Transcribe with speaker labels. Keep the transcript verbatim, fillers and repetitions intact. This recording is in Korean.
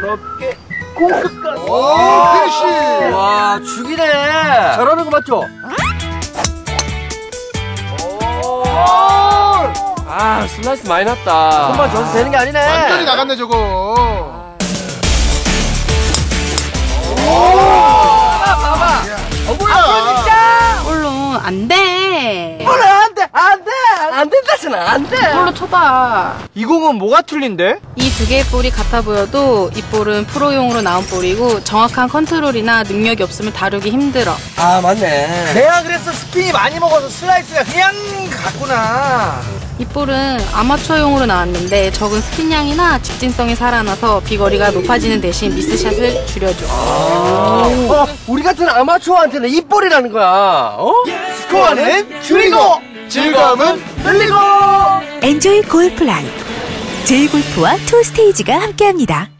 Speaker 1: 부드럽게 공끝까지.
Speaker 2: 오, 피니쉬.
Speaker 1: 와, 죽이네.
Speaker 3: 잘하는 거 맞죠?
Speaker 1: 아, 슬라이스 많이 났다.
Speaker 3: 손만 줘서 되는 게 아니네.
Speaker 2: 완전히 나갔네 저거.
Speaker 3: 봐봐.
Speaker 2: 어머야.
Speaker 3: 진짜.
Speaker 4: 볼로 안 돼.
Speaker 3: 볼로 안 돼, 안 돼, 안 된다잖아, 안 돼.
Speaker 4: 볼로 쳐봐.
Speaker 3: 이 공은 뭐가 틀린데?
Speaker 4: 이 두 개의 볼이 같아 보여도 이 볼은 프로용으로 나온 볼이고 정확한 컨트롤이나 능력이 없으면 다루기 힘들어.
Speaker 3: 아, 맞네. 내가 그래서 스핀이 많이 먹어서 슬라이스가 그냥 갔구나.
Speaker 4: 이 볼은 아마추어용으로 나왔는데 적은 스핀량이나 직진성이 살아나서 비거리가 높아지는 대신 미스샷을 줄여줘.
Speaker 3: 아, 어, 우리 같은 아마추어한테는 이 볼이라는 거야. 어? 스코어는 줄이고
Speaker 2: 즐거움은
Speaker 3: 늘리고.
Speaker 5: 엔조이 골프 라이프 제이골프와 투스테이지가 함께합니다.